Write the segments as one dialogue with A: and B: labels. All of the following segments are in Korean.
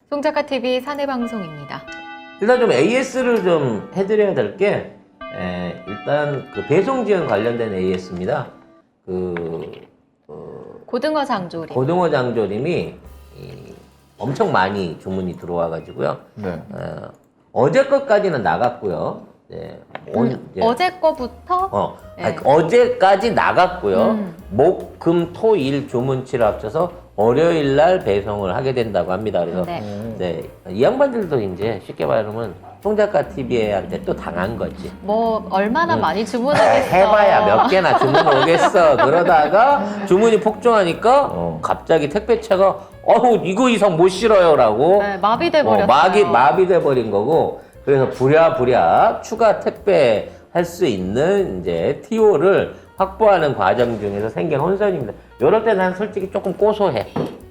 A: 송작가TV 사내방송입니다.
B: 일단 좀 AS를 좀 해드려야 될 게, 일단 그 배송 지원 관련된 AS입니다.
A: 고등어 장조림.
B: 고등어 장조림이 엄청 많이 주문이 들어와가지고요.
C: 네.
B: 어제 것까지는 나갔고요. 네,
A: 어제 거부터?
B: 아니, 어제까지 나갔고요.
A: 음.
B: 목, 금, 토, 일 주문치를 합쳐서 월요일 날 배송을 하게 된다고 합니다. 그래서
A: 네.
B: 이 양반들도 이제 쉽게 말하면 송작가TV한테 또 당한 거지.
A: 뭐 얼마나 많이 주문하겠어.
B: 해봐야 몇 개나 주문 오겠어. 그러다가 주문이 폭증하니까 갑자기 택배차가 이거 이상 못 실어요라고
A: 네, 마비돼 버렸어요.
B: 마비돼 버린 거고. 그래서 부랴부랴 추가 택배 할 수 있는 이제 TO를 확보하는 과정 중에서 생긴 혼선입니다. 이럴 때 난 솔직히 조금 고소해.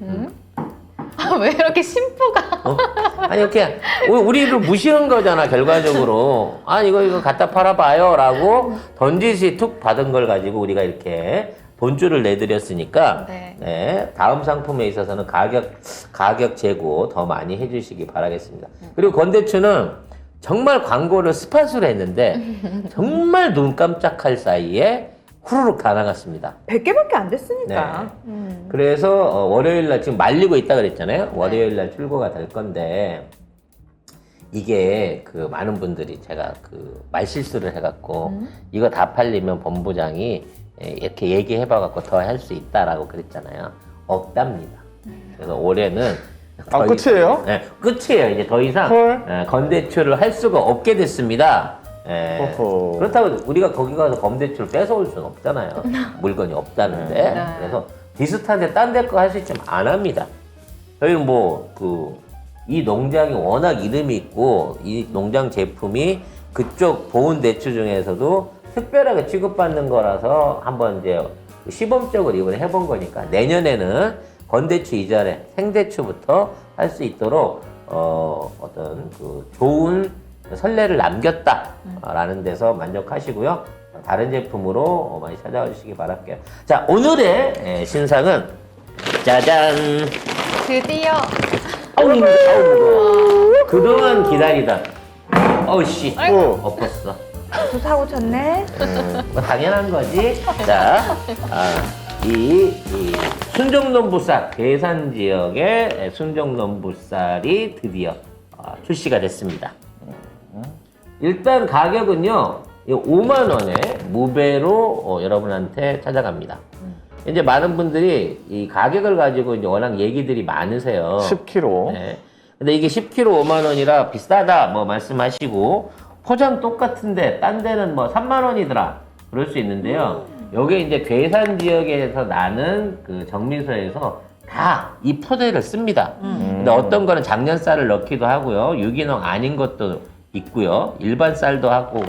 A: 왜 이렇게 심부가?
B: 아니 이렇게 우리를 무시한 거잖아 결과적으로. 이거 갖다 팔아봐요라고 던지시 툭 받은 걸 가지고 우리가 이렇게 돈줄을 내드렸으니까
A: 네.
B: 다음 상품에 있어서는 가격 재고 더 많이 해주시기 바라겠습니다. 그리고 건대추는 정말 광고를 스팟으로 했는데 정말 눈 깜짝할 사이에 후루룩 다 나갔습니다.
D: 100개밖에 안 됐으니까.
B: 그래서 월요일날 지금 말리고 있다 그랬잖아요. 월요일날 출고가 될 건데 이게 그 많은 분들이 제가 그 말실수를 해갖고 이거 다 팔리면 본부장이 이렇게 얘기해봐갖고 더 할 수 있다라고 그랬잖아요. 없답니다. 그래서 올해는
C: 끝이에요?
B: 네, 끝이에요. 이제 더 이상
C: 헐.
B: 건대출을 할 수가 없게 됐습니다.
C: 어허.
B: 그렇다고 우리가 거기 가서 건대출을 뺏어올 수는 없잖아요. 물건이 없다는데.
A: 네.
B: 그래서 비슷한데 딴 데 거 할 수 있지만 안 합니다. 저희는 이 농장이 워낙 이름이 있고 이 농장 제품이 그쪽 보훈 대추 중에서도 특별하게 취급받는 거라서 한번 이제 시범적으로 이번에 해본 거니까 내년에는 건대추 이전에 생대추부터 할 수 있도록 어떤 그 좋은 선례를 남겼다라는 데서 만족하시고요. 다른 제품으로 많이 찾아와 주시기 바랄게요. 자, 오늘의 신상은 짜잔.
A: 드디어
B: 그동안 기다리던 씨
A: 아이고.
B: 엎었어.
D: 또 사고 쳤네.
B: 뭐 당연한 거지. 자, 이 순정농부쌀, 괴산 지역의 순정농부쌀이 드디어 출시가 됐습니다. 일단 가격은요, 5만 원에 무배로 여러분한테 찾아갑니다. 이제 많은 분들이 이 가격을 가지고 이제 워낙 얘기들이 많으세요.
C: 10kg.
B: 네. 근데 이게 10kg 5만 원이라 비싸다 뭐 말씀하시고 포장 똑같은데 딴 데는 뭐 3만 원이더라 그럴 수 있는데요. 요게 이제 괴산 지역에서 나는 그 정미소에서 다 이 포대를 씁니다. 근데 어떤 거는 작년 쌀을 넣기도 하고요. 유기농 아닌 것도 있고요. 일반 쌀도 하고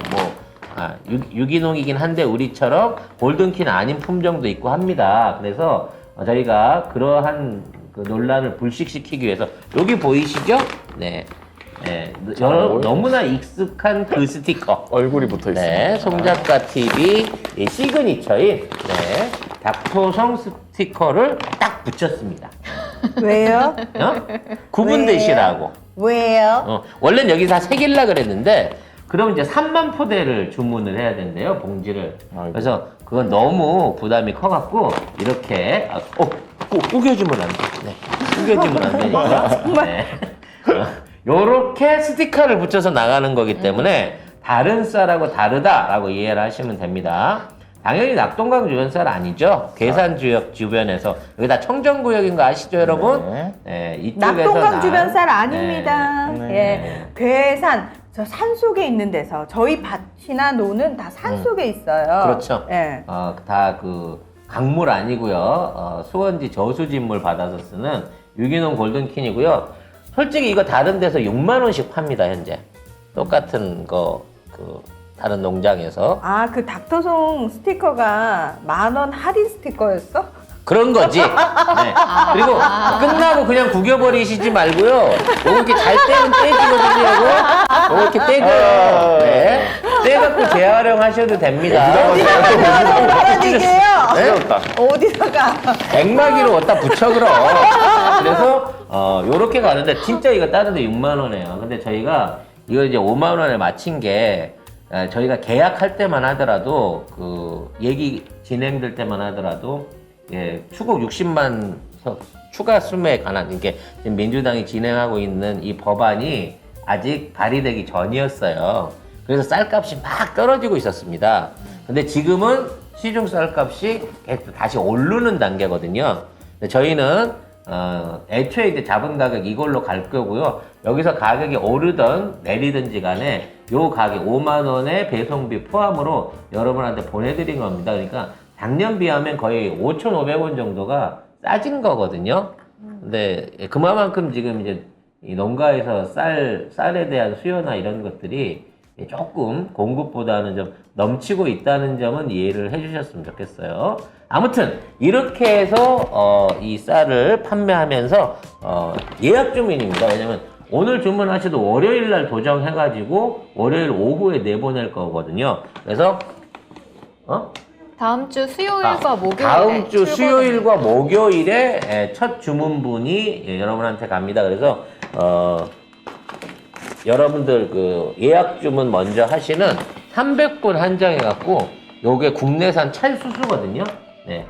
B: 유기농이긴 한데 우리처럼 골든킨 아닌 품종도 있고 합니다. 그래서 저희가 그러한 그 논란을 불식시키기 위해서 여기 보이시죠? 네. 너무나 익숙한 그 스티커.
C: 얼굴이 붙어 있어요.
B: 네, 송작가TV 시그니처인 닥토성 스티커를 딱 붙였습니다.
D: 왜요?
B: 구분되시라고.
D: 왜요?
B: 원래는 여기 다 새길라 그랬는데 그럼 이제 3만 포대를 주문을 해야 된대요, 봉지를.
C: 아이고.
B: 그래서 그건 너무 부담이 커갖고 이렇게 우겨주면 안 돼. 네. 우겨주면 안 되니까. 네. 요렇게 스티커를 붙여서 나가는 거기 때문에 다른 쌀하고 다르다라고 이해를 하시면 됩니다. 당연히 낙동강 주변 쌀 아니죠. 괴산 지역 주변에서 여기 다 청정구역인 거 아시죠, 여러분? 네, 이쪽에서
D: 낙동강 주변 쌀 아닙니다.
C: 네.
D: 예, 괴산 저 산 속에 있는 데서 저희 밭이나 노는 다 산 속에 있어요.
B: 그렇죠.
D: 예.
B: 다 그 강물 아니고요. 수원지 저수진물 받아서 쓰는 유기농 골든킨이고요. 솔직히 이거 다른 데서 6만 원씩 팝니다, 현재. 똑같은 거 다른 농장에서.
D: 그 닥터송 스티커가 10,000원 할인 스티커였어?
B: 그런 거지. 네. 그리고 끝나고 그냥 구겨버리시지 말고요. 이렇게 잘 떼면 떼지거든요. 이렇게 떼고요. 네. 떼갖고 재활용하셔도 됩니다.
D: 어디가 말하는 얘기예요?
C: 세웠다.
D: 어디다가
B: 액마기로 어디다 붙여 그럼. 그래서 요렇게 가는데 진짜 이거 다른 데 6만 원이에요. 근데 저희가 이거 이제 5만 원에 맞춘 게 저희가 계약할 때만 하더라도 그 얘기 진행될 때만 하더라도 예, 추국 60만 석 추가 수매에 관한 이게 지금 민주당이 진행하고 있는 이 법안이 아직 발의되기 전이었어요. 그래서 쌀값이 막 떨어지고 있었습니다. 근데 지금은 시중 쌀값이 계속 다시 오르는 단계거든요. 근데 저희는 애초에 이제 잡은 가격 이걸로 갈 거고요. 여기서 가격이 오르든 내리든지 간에 요 가격 5만 원의 배송비 포함으로 여러분한테 보내드린 겁니다. 그러니까 작년 비하면 거의 5,500원 정도가 싸진 거거든요. 근데 그만큼 지금 이제 이 농가에서 쌀에 대한 수요나 이런 것들이 조금 공급보다는 좀 넘치고 있다는 점은 이해를 해주셨으면 좋겠어요. 아무튼 이렇게 해서 이 쌀을 판매하면서 예약 주문입니다. 왜냐면 오늘 주문하셔도 월요일 날 도정해가지고 월요일 오후에 내보낼 거거든요. 그래서
A: 다음 주 수요일과 목요일에
B: 다음 주
A: 출고됩니다.
B: 수요일과 목요일에 첫 주문분이 여러분한테 갑니다. 그래서 여러분들 그 예약 주문 먼저 하시는 300분 한정해 갖고 요게 국내산 찰수수거든요. 네.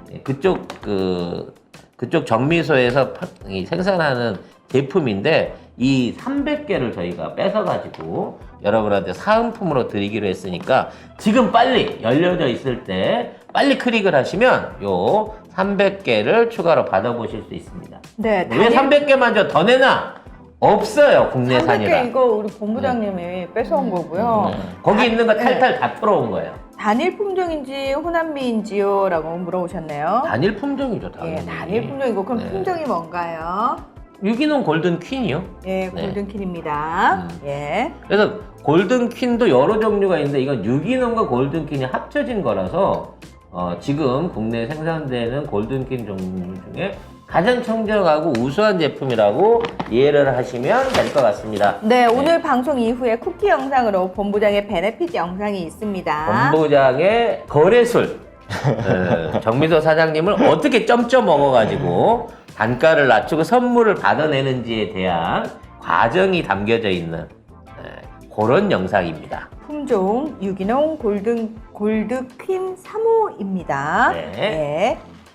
B: 그쪽 정미소에서 생산하는 제품인데 이 300개를 저희가 뺏어 가지고 여러분한테 사은품으로 드리기로 했으니까 지금 빨리 열려져 있을 때 빨리 클릭을 하시면 요 300개를 추가로 받아보실 수 있습니다.
D: 네,
B: 왜 300개만 더 내나? 없어요, 국내산이라.
D: 300개 이거 우리 본부장님이 뺏어온 거고요.
B: 거기 있는 거 탈탈 다 털어온 거예요.
D: 단일 품종인지 호남미인지요? 라고 물어보셨네요.
B: 단일 품종이죠, 당연히.
D: 예, 단일 품종이고 그럼
B: 네.
D: 품종이 뭔가요?
B: 유기농 골든 퀸이요.
D: 예, 골든킨입니다. 예.
B: 그래서 골든 퀸도 여러 종류가 있는데 이건 유기농과 골든 퀸이 합쳐진 거라서 지금 국내에 생산되는 골든 퀸 종류 중에 가장 청정하고 우수한 제품이라고 이해를 하시면 될 것 같습니다.
D: 네, 오늘 방송 이후에 쿠키 영상으로 본부장의 베네핏 영상이 있습니다.
B: 본부장의 거래술 정미소 사장님을 어떻게 점점 먹어가지고 단가를 낮추고 선물을 받아내는지에 대한 과정이 담겨져 있는 그런 영상입니다.
D: 품종 유기농 골드퀸 3호입니다.
B: 네.
D: 네.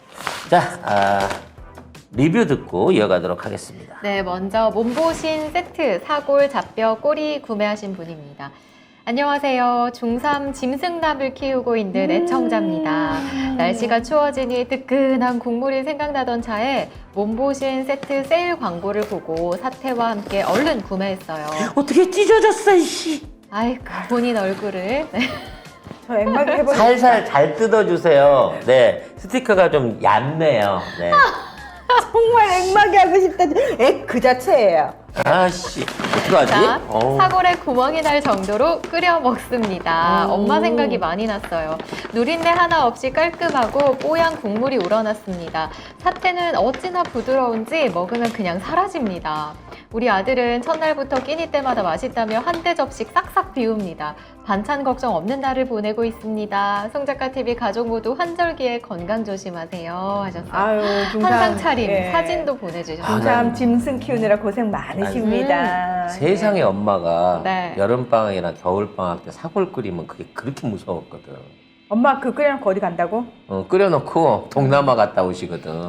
B: 자, 리뷰 듣고 이어가도록 하겠습니다.
A: 네, 먼저 몸보신 세트 사골, 잡뼈, 꼬리 구매하신 분입니다. 안녕하세요. 중3 짐승남을 키우고 있는 애청자입니다. 날씨가 추워지니 뜨끈한 국물이 생각나던 차에 몸보신 세트 세일 광고를 보고 사태와 함께 얼른 구매했어요.
B: 어떻게 찢어졌어, 이씨.
A: 아이고, 본인 얼굴을. 네.
D: 저 앵마기 해보겠습니다.
B: 살살 잘 뜯어주세요. 네, 스티커가 좀 얇네요. 네.
D: 정말 앵마기 하고 싶다. 그 자체예요.
B: 아씨, 어떡하지?
A: 자, 사골에 구멍이 날 정도로 끓여 먹습니다. 엄마 생각이 많이 났어요. 누린내 하나 없이 깔끔하고 뽀얀 국물이 우러났습니다. 사태는 어찌나 부드러운지 먹으면 그냥 사라집니다. 우리 아들은 첫날부터 끼니 때마다 맛있다며 한 대접씩 싹싹 비웁니다. 반찬 걱정 없는 날을 보내고 있습니다. 송작가TV 가족 모두 환절기에 건강 조심하세요 하셨어요.
D: 아유,
A: 한상 차림
D: 예.
A: 사진도 보내주셨어요.
D: 중삼 짐승 키우느라 고생 많으십니다.
B: 세상에 엄마가
A: 네.
B: 여름방학이나 겨울방학 때 사골 끓이면 그게 그렇게 무서웠거든.
D: 엄마 그 끓여놓고 어디 간다고?
B: 끓여놓고 동남아 갔다 오시거든.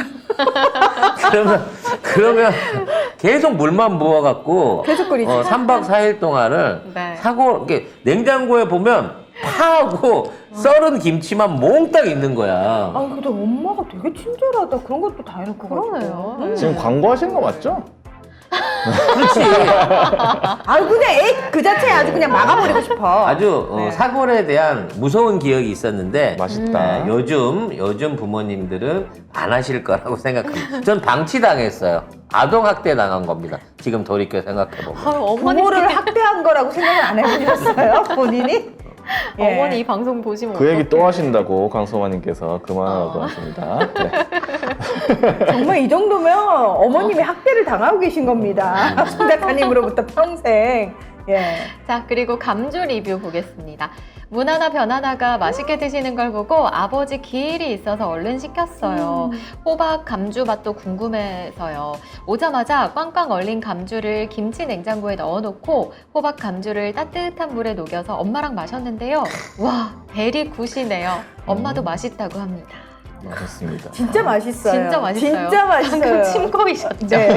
B: 그러면 계속 물만 부어갖고
D: 계속 끓이지.
B: 3박 4일 동안을
A: 네.
B: 사골, 이렇게 냉장고에 보면 파하고 썰은 김치만 몽땅 있는 거야.
D: 아, 근데 엄마가 되게 친절하다. 그런 것도 다 해놓고.
A: 그러네요.
D: 가지고.
C: 지금 광고하시는 거 맞죠?
B: 그렇지.
D: 아유, 그냥 그 자체에 아주 그냥 막아버리고 싶어.
B: 아주
D: 네.
B: 사골에 대한 무서운 기억이 있었는데
C: 맛있다.
B: 요즘 부모님들은 안 하실 거라고 생각합니다. 전 방치당했어요. 아동학대 당한 겁니다. 지금 돌이켜 생각해보면.
D: 부모를 학대한 거라고 생각을 안 해보셨어요? 본인이? 예.
A: 어머니 이 방송 보시면
C: 그 얘기
A: 어떡해.
C: 또 하신다고 강소마님께서 그만하라고 하십니다. 네.
D: 정말 이 정도면 어머님이 학대를 당하고 계신 겁니다. 손 작가님으로부터 평생. 예.
A: 자, 그리고 감주 리뷰 보겠습니다. 문하나 변하나가 맛있게 드시는 걸 보고 아버지 기일이 있어서 얼른 시켰어요. 호박 감주 맛도 궁금해서요. 오자마자 꽝꽝 얼린 감주를 김치 냉장고에 넣어놓고 호박 감주를 따뜻한 물에 녹여서 엄마랑 마셨는데요. 와, 베리 굿이네요. 엄마도 맛있다고 합니다.
C: 맛있습니다.
D: 진짜 맛있어요.
A: 진짜 맛있어요.
D: 진짜 맛있어요.
A: 방금 침 고이셨죠?
D: 네.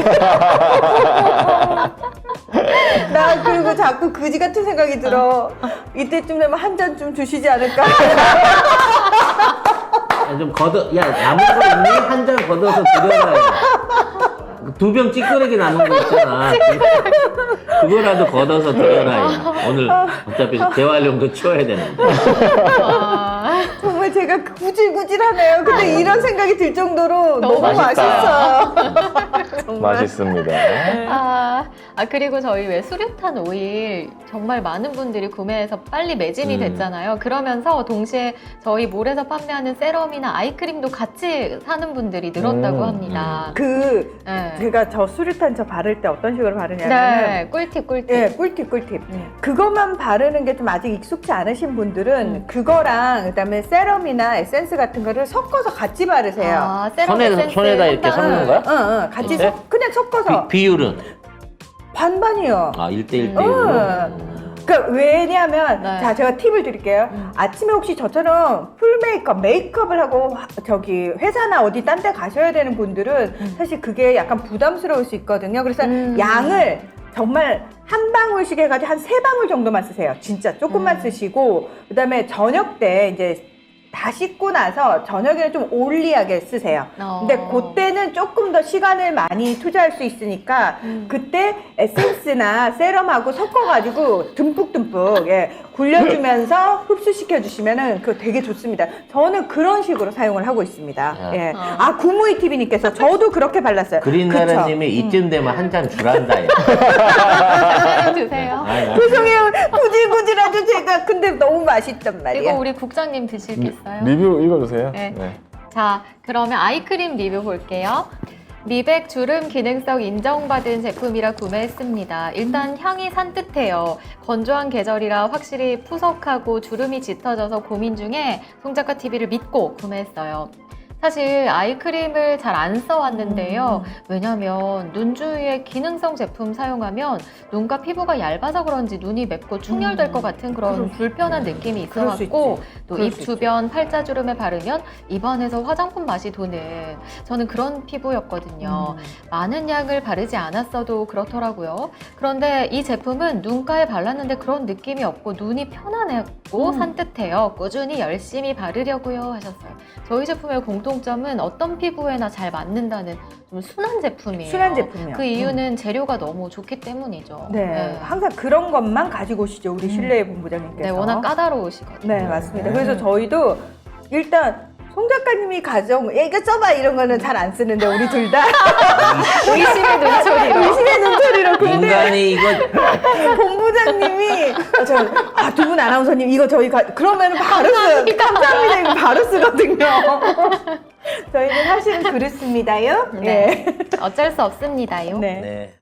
D: 나 그리고 자꾸 그지 같은 생각이 들어. 이때쯤 되면 한 잔 좀 주시지 않을까?
B: 좀 야 남은 거 있니? 한 잔 걷어서 드려라. 2병 찌끄레기 남은 거 있잖아. 그거라도 걷어서 드려라. 오늘 어차피 재활용도 치워야 되는데.
A: 와.
D: 정말 제가 구질구질하네요. 근데 이런 생각이 들 정도로 너무
C: 맛있다.
D: 맛있어요. 정말.
C: 맛있습니다.
A: 그리고 저희 왜 수류탄 오일 정말 많은 분들이 구매해서 빨리 매진이 됐잖아요. 그러면서 동시에 저희 몰에서 판매하는 세럼이나 아이크림도 같이 사는 분들이 늘었다고 합니다. 네.
D: 제가 저 수류탄 저 바를 때 어떤 식으로 바르냐면
A: 네, 꿀팁.
D: 예, 꿀팁. 그것만 바르는 게 좀 아직 익숙치 않으신 분들은 그거랑 그다음에 세럼이나 에센스 같은 거를 섞어서 같이 바르세요.
A: 아, 세럼
B: 손에다
A: 에센스
B: 이렇게
A: 한
B: 섞는
A: 방울.
B: 거야?
D: 같이
B: 네?
D: 그냥 섞어서
B: 비율은?
D: 반반이요.
B: 1대1대1로?
D: 그러니까 왜냐면
A: 네.
D: 자 제가 팁을 드릴게요. 아침에 혹시 저처럼 풀 메이크업을 하고 저기 회사나 어디 딴 데 가셔야 되는 분들은 사실 그게 약간 부담스러울 수 있거든요. 그래서 양을 정말 한 방울씩 해가지고 한 3방울 정도만 쓰세요. 진짜 조금만 쓰시고 그다음에 저녁 때 이제 다 씻고 나서 저녁에는 좀 올리하게 쓰세요. 근데 그때는 조금 더 시간을 많이 투자할 수 있으니까 그때 에센스나 세럼하고 섞어가지고 듬뿍듬뿍 굴려주면서 흡수시켜 주시면은 그거 되게 좋습니다. 저는 그런 식으로 사용을 하고 있습니다. 예. 구무이 TV님께서 저도 그렇게 발랐어요.
B: 그린나라님이 이쯤 되면 한 잔 주란다.
A: 잠깐 드세요.
D: 죄송해요. 구질구질하죠 제가. 근데 너무 맛있단 말이에요.
A: 그리고 우리 국장님 드실 게 있어요?
C: 리뷰 읽어주세요.
A: 네.
C: 네.
A: 자, 그러면 아이크림 리뷰 볼게요. 미백 주름 기능성 인정받은 제품이라 구매했습니다. 일단 향이 산뜻해요. 건조한 계절이라 확실히 푸석하고 주름이 짙어져서 고민 중에 송작가 TV를 믿고 구매했어요. 사실 아이크림을 잘 안 써왔는데요. 왜냐면 눈 주위에 기능성 제품 사용하면 눈과 피부가 얇아서 그런지 눈이 맵고 충혈될 것 같은 그런 불편한 느낌이
D: 그럴 수
A: 있어갖고 또
D: 그럴
A: 입
D: 수
A: 주변 팔자주름에 바르면 입안에서 화장품 맛이 도는 저는 그런 피부였거든요. 많은 양을 바르지 않았어도 그렇더라고요. 그런데 이 제품은 눈가에 발랐는데 그런 느낌이 없고 눈이 편안했고 산뜻해요. 꾸준히 열심히 바르려고요 하셨어요. 저희 제품의 공통점은 어떤 피부에나 잘 맞는다는 좀 순한 제품이에요.
D: 순한 제품이요.
A: 그 이유는 재료가 너무 좋기 때문이죠.
D: 네. 항상 그런 것만 가지고 오시죠. 우리 신뢰의 본부장님께서.
A: 네, 워낙 까다로우시거든요.
D: 네, 맞습니다. 그래서 저희도 일단 송 작가님이 이거 써봐 이런 거는 잘 안 쓰는데 우리 둘 다
A: 의심의 눈초리로.
D: 의심의 눈초리로. 근데
B: 인간이 이거
D: 본부장님이 두 분 아나운서님 이거 저희 그러면은 바로 써요. 감사합니다. 이거 바로 쓰거든요. 저희는 사실은 그렇습니다요.
A: 네. 어쩔 수 없습니다요.
D: 네.
B: 네.